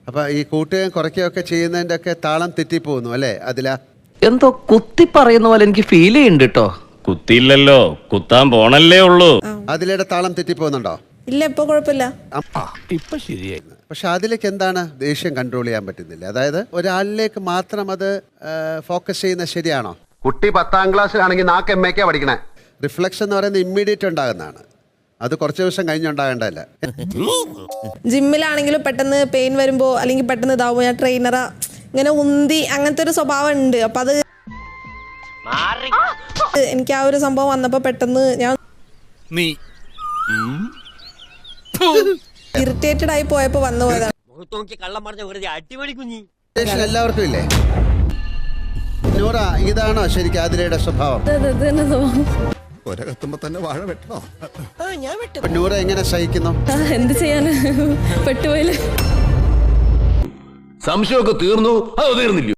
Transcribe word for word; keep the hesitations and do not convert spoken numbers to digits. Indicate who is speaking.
Speaker 1: അപ്പൊ ഈ കൂട്ടുകയും കുറയ്ക്കുകയൊക്കെ ചെയ്യുന്നതിന്റെ ഒക്കെ താളം തെറ്റിപ്പോകുന്നു അല്ലേ? അതിലാ
Speaker 2: എന്തോ കുത്തി പറയുന്ന പോലെ എനിക്ക് ഫീൽ ചെയ്യുന്നുണ്ട് കേട്ടോ.
Speaker 3: കുത്തിയില്ലല്ലോ, കുത്താൻ പോണല്ലേ ഉള്ളൂ.
Speaker 1: അതിലയുടെ താളം തെറ്റിപ്പോകുന്നുണ്ടോ?
Speaker 4: ഇല്ല, ഇപ്പൊ കുഴപ്പമില്ല.
Speaker 3: ഇപ്പൊ ശരിയായി.
Speaker 1: പക്ഷെ അതിലേക്ക് എന്താണ് ദേഷ്യം കൺട്രോൾ ചെയ്യാൻ പറ്റുന്നില്ല? അതായത് ഒരാളിലേക്ക് മാത്രം അത് ഫോക്കസ് ചെയ്യുന്നത് ശരിയാണോ?
Speaker 5: കുട്ടി പത്താം ക്ലാസ്സിലാണെങ്കിൽ നാക്ക് എം എക്കാ പഠിക്കണേ.
Speaker 1: റിഫ്ലക്ഷൻ എന്ന് പറയുന്നത് ഇമ്മീഡിയറ്റ് ഉണ്ടാകുന്നതാണ്, അത് കുറച്ച് ദിവസം കഴിഞ്ഞുണ്ടാകേണ്ടതല്ല.
Speaker 4: ജിമ്മിലാണെങ്കിലും പെട്ടെന്ന് പെയിൻ വരുമ്പോ അല്ലെങ്കിൽ പെട്ടെന്ന് ഇതാവുമ്പോ ഞാൻ ട്രെയിനറാ ഇങ്ങനെ ഉന്തി അങ്ങനത്തെ ഒരു സ്വഭാവം ഉണ്ട്. അപ്പൊ അത് എനിക്ക് ആ ഒരു സംഭവം വന്നപ്പോ പെട്ടെന്ന് ഞാൻ ഇറിറ്റേറ്റഡ് ആയി പോയപ്പോ വന്നു പോയതാണ്.
Speaker 1: ദേഷ്യം എല്ലാവർക്കും ഇല്ലേ? നൂറ, ഇതാണോ ശരിക്കും ആതിരയുടെ സ്വഭാവം?
Speaker 6: ഒരകത്തുമ്പോ തന്നെ വാഴ വെട്ടണോ?
Speaker 1: നൂറ എങ്ങനെ സഹിക്കുന്നു?
Speaker 7: എന്ത് ചെയ്യാന്, പെട്ടുപോയില്ലേ.
Speaker 3: സംശയമൊക്കെ തീർന്നു, അത് തീർന്നില്ല.